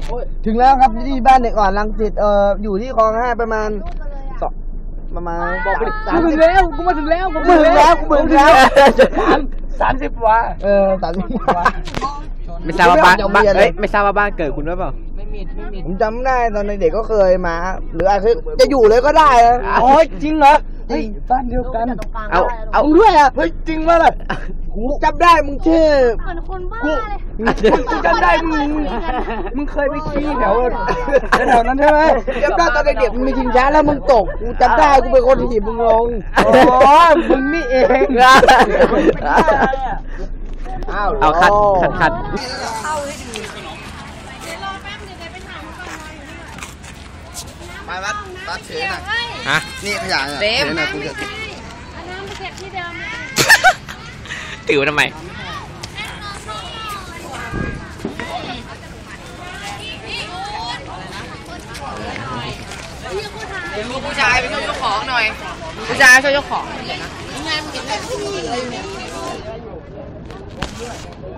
ถึงแล้วครับที่บ้านเด็กอ่อนรังสิตอยู่ที่คลอง5ประมาณบอกไป30กูมาถึงแล้วกูมาถึงแล้ว30 วัน30 วันไม่ทราบว่าบ้านไม่ทราบว่าบ้านเกิดคุณหรือเปล่าไม่มีผมจำได้ตอนเด็กก็เคยมาหรืออาจจะอยู่เลยก็ได้นะอ๋อจริงเหรอเฮ้ยบ้านเดียวกันเอาด้วยอ่ะเฮ้ยจริงมั้ยล่ะกูจำได้มึงชื่อเหมือนคนบ้ากูจำได้มึงเคยไปขี้แถวนั้นใช่ไหมจำได้ตอนเด็กมึงมีชิงช้าแล้วมึงตกกูจำได้กูเป็นคนถีบมึงลงอ๋อมึงนี่เองเอาคัดเข้าให้ดีเดี๋ยวรอแป๊บเดี๋ยวไปถามเขาก่อนมาวัดถือหน่อยฮะนี่ขยะเต็มนะคุณจะอันนั้นไปเก็บที่เดิมถือทำไมผู้ชายไปช่วยเจ้าของหน่อยผู้ชายช่วยเจ้าของ